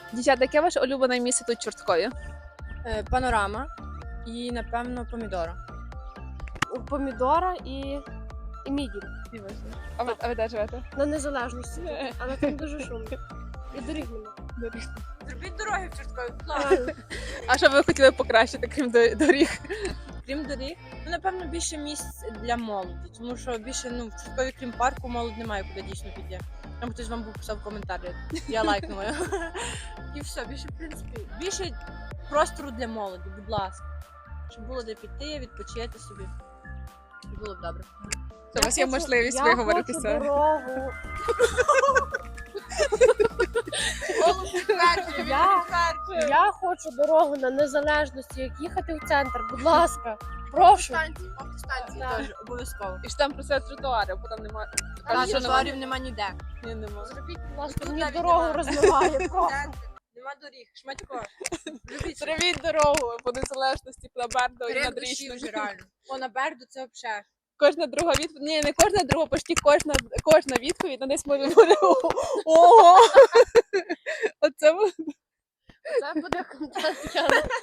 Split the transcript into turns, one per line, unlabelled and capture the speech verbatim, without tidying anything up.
Дівчата, яке ваше улюблене місце тут в Чорткові?
Е, Панорама і, напевно, помідора.
У помідора і, і мідій.
А ви, а ви де живете?
На незалежності. Але там дуже шумно. І доріг нема.
Зробіть дороги в Чорткові, будь ласка.
Реально.
А що ви хотіли покращити, крім до- доріг?
Крім доріг, ну, напевно, більше місць для молоді, тому що більше, ну, в Чорткові, крім парку, молодь немає куди дійсно піти. Там хтось вам був писав коментарі, я лайкнула. І все, більше, в принципі, більше простору для молоді, будь ласка. Щоб було де піти, відпочити собі. І було б добре.
Що у вас є
хочу-
можливість
я
виговоритися?
хочу дорогу. Я, я хочу дорогу на незалежності, як їхати в центр, будь ласка. Прошу.
Станції, автостанції
Так.
теж обов'язково.
І ж там просять тротуари, бо там немає.
Та
Кажуть, що
тротуарів нема ніде.
Ні, нема.
Зробіть, будь ласка,
Тут
мені
навіть
дорогу
немає.
розмиває. Прошу.
Центр, нема доріг, шматько. Зробіть собі.
Зробіть дорогу по незалежності, на Бердо і
Перед
над
душі
Річною.
вже реально. О, на Берду це взагалі.
Кожна друга відповідь, ні, не кожна друга, почти кожна, кожна відповідь на десь може бути ого. Оце буде.
Це буде контент.